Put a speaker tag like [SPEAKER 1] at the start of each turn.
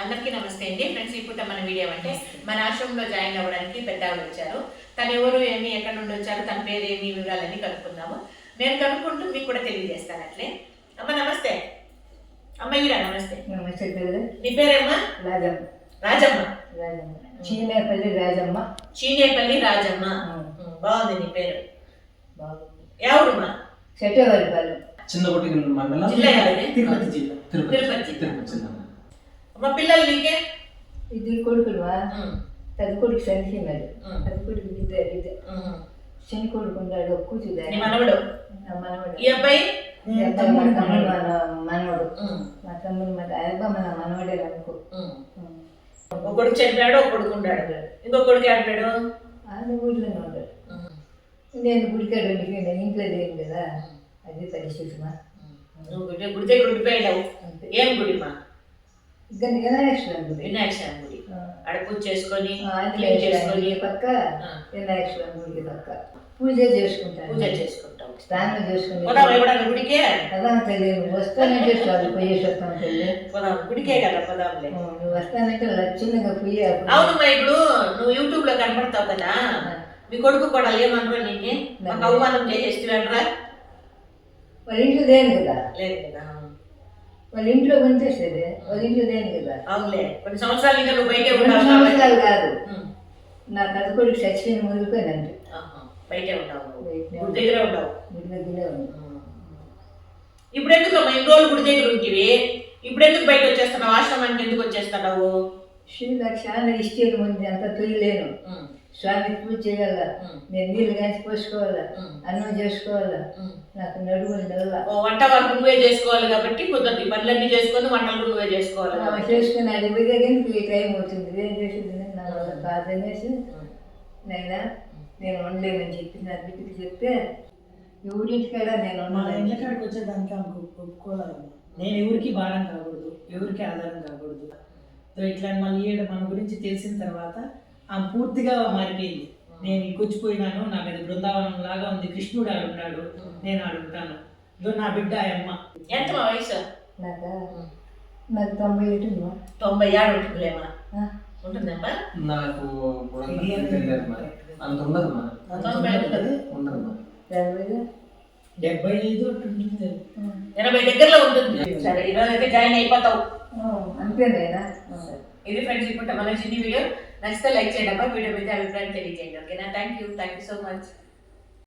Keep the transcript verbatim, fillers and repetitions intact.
[SPEAKER 1] అందరికీ నమస్తే అండి ఫ్రెండ్స్. ఇప్పుడు మన వీడియో అంటే మన ఆశ్రమంలో జాయిన్ అవ్వడానికి పెద్ద ఆవిడ వచ్చారు. తను ఎవరు ఏమి ఎక్కడ నుండి వచ్చారు, తన పేరు ఏమి వివరాలన్నీ కనుక్కుందాము. నేను కనుక్కుంటూ మీకు కూడా తెలియజేస్తాను అట్లే. అమ్మ నమస్తే. అమ్మయ్యరా నమస్తే.
[SPEAKER 2] నమస్తే.
[SPEAKER 1] నీ పేరేమ్మా?
[SPEAKER 2] రాజమ్మ.
[SPEAKER 1] రాజమ్మ.
[SPEAKER 2] రాజమ్మ చీనేపల్లి రాజమ్మ.
[SPEAKER 1] చీనేపల్లి రాజమ్మ. బాగుంది నీ పేరు.
[SPEAKER 2] బాగుంది.
[SPEAKER 1] ఎవరుమా?
[SPEAKER 2] చెట్టవరిపల్లి.
[SPEAKER 3] చిన్నకోటి మండలం,
[SPEAKER 1] జిల్లా
[SPEAKER 3] తిరుపతి జిల్లా.
[SPEAKER 1] తిరుపతి
[SPEAKER 3] తిరుపతి జిల్లా.
[SPEAKER 1] అమ్మ పిల్లలు నీకే?
[SPEAKER 2] ఇద్దరు కొడుకులువా? పెద్ద కొడుకు చనిపోయినాడు. పెద్ద కొడుకు ఇద్దరు ఇద్దరు చిన్న కొడుకు ఉన్నాడు. కూర్చుదాడు
[SPEAKER 1] మనవడు.
[SPEAKER 2] మనవడు.
[SPEAKER 1] ఈ అబ్బాయి
[SPEAKER 2] తమ్ముడు మనవడు. మా తమ్ముడు మన అబ్బాయి మన మనవడే అనుకో.
[SPEAKER 1] ఒక కొడుకు చనిపోయాడు, ఒక కొడుకు ఉన్నాడు. ఇంకో కొడుకు ఆడిపోయాడు.
[SPEAKER 2] ఆయన ఊళ్ళోనే ఉన్నాడు. నేను గుడికాడు నేను ఇంట్లో లేను కదా, అది పరిస్థితి మా.
[SPEAKER 1] నువ్వు గుడి దగ్గర ఉండిపోయావు. ఏం గుడిమా?
[SPEAKER 2] ఇంకా వినాయక గుడి.
[SPEAKER 1] వినాయక గుడి. ఆడ పూజ చేసుకొని
[SPEAKER 2] చేసుకొని పక్క వినాయక గుడికి పక్క పూజ చేసుకుంటాను.
[SPEAKER 1] పూజ చేసుకుంటాం,
[SPEAKER 2] స్నానం చేసుకుని
[SPEAKER 1] గుడికే
[SPEAKER 2] కదా తెలియదు. వస్తానంటే చాలు పోయేసి వస్తాను తల్లి.
[SPEAKER 1] పోదాం గుడికే కదా పోదాంలే.
[SPEAKER 2] నువ్వు వస్తానంటే చిన్నగా పోయి.
[SPEAKER 1] అవునమ్మా, ఇప్పుడు నువ్వు యూట్యూబ్ లో కనపడతావు కదా, మీ కొడుకు కూడా ఏమనరా నిన్నే? మాకు అవమానం చేసేస్తురా?
[SPEAKER 2] వాళ్ళ ఇంట్లో లేను కదా.
[SPEAKER 1] లేదు కదా,
[SPEAKER 2] వాళ్ళ ఇంట్లో పనిచేసేది. వాళ్ళ ఇంట్లో లేను కదా.
[SPEAKER 1] అవునులే, కొన్ని సంవత్సరాలు ఇంకా నువ్వు బయటే
[SPEAKER 2] సంవత్సరాలు కాదు. నా పెద్ద కొడుకు చచ్చిపోయిన ముదిరిపోయినంటే
[SPEAKER 1] బయటే ఉంటావు, గుడి దగ్గరే ఉంటావు.
[SPEAKER 2] గుడి దగ్గరే ఉంటావు.
[SPEAKER 1] ఇప్పుడు ఎందుకు అమ్మా ఇన్ని రోజులు గుడి దగ్గర ఉంటివి, ఇప్పుడు ఎందుకు బయట వచ్చేస్తున్నావు? ఆశ్రమానికి ఎందుకు వచ్చేస్తున్నావు?
[SPEAKER 2] శ్రీలకు చాలా ఇష్టం ఉంది, అంత తొయ్యలేను. స్వామికి పూజ చేయాల, నేను నీళ్ళు కాంచి పోసుకోవాలా, అన్నం చేసుకోవాలా, నాకు నడుములు నెల.
[SPEAKER 1] వంట వరకు నువ్వే చేసుకోవాలి కాబట్టి కుదరదు. పనులన్నీ చేసుకొని వంటలు నువ్వే చేసుకోవాలి.
[SPEAKER 2] చేసుకుని అడిగిపోయి టైం అవుతుంది. ఏం చేసేది నా వల్ల కాదనేసి నైనా నేను వండలేనని చెప్పి నా బిడ్డకి చెప్తే ఎవరింటికాడ నేను
[SPEAKER 4] మా ఇంటికాడికి వచ్చేదానికి ఆమెకు ఒప్పుకోలేదు. నేను ఎవరికి భారం కాకూడదు, ఎవరికి ఆధారం కాకూడదు. ఇట్లా మళ్ళీ ఈడ మన గురించి తెలిసిన తర్వాత ఆమె పూర్తిగా మారిపోయింది. నేను ఇకొచ్చిపోయినాను, నాకు అది బృందావనం లాగా ఉంది, కృష్ణుడు ఆడుంటాడు, నేను ఆడుంటాను. ఇదో నా బిడ్డ ఆయమ్మ.
[SPEAKER 1] ఎంత మా వయసు?
[SPEAKER 2] నాకా నాకు తొంభై ఏడు.
[SPEAKER 1] తొంభై ఏడు ఉంటుందిలేమా? ఉంటుందమ్మా.
[SPEAKER 3] నాకు అంత ఉండదు మా.
[SPEAKER 1] తొంభై ఉంటుంది.
[SPEAKER 3] ఉండదు.
[SPEAKER 4] డెబ్బై ఐదు ఉంటుంది,
[SPEAKER 1] ఎనభై దగ్గరలో ఉంటుంది. సరే, ఈరోజు అయితే జాయిన్ అయిపోతావు
[SPEAKER 2] అంతేనా?
[SPEAKER 1] ఇది ఫ్రెండ్స్ ఇప్పుడు మన చిన్న వీడియో. నచ్చితే లైక్ చేయండి అబ్బా. వీడియో మీద అభిప్రాయం తెలియజేయండి. ఓకేనా? Thank you thank you so much.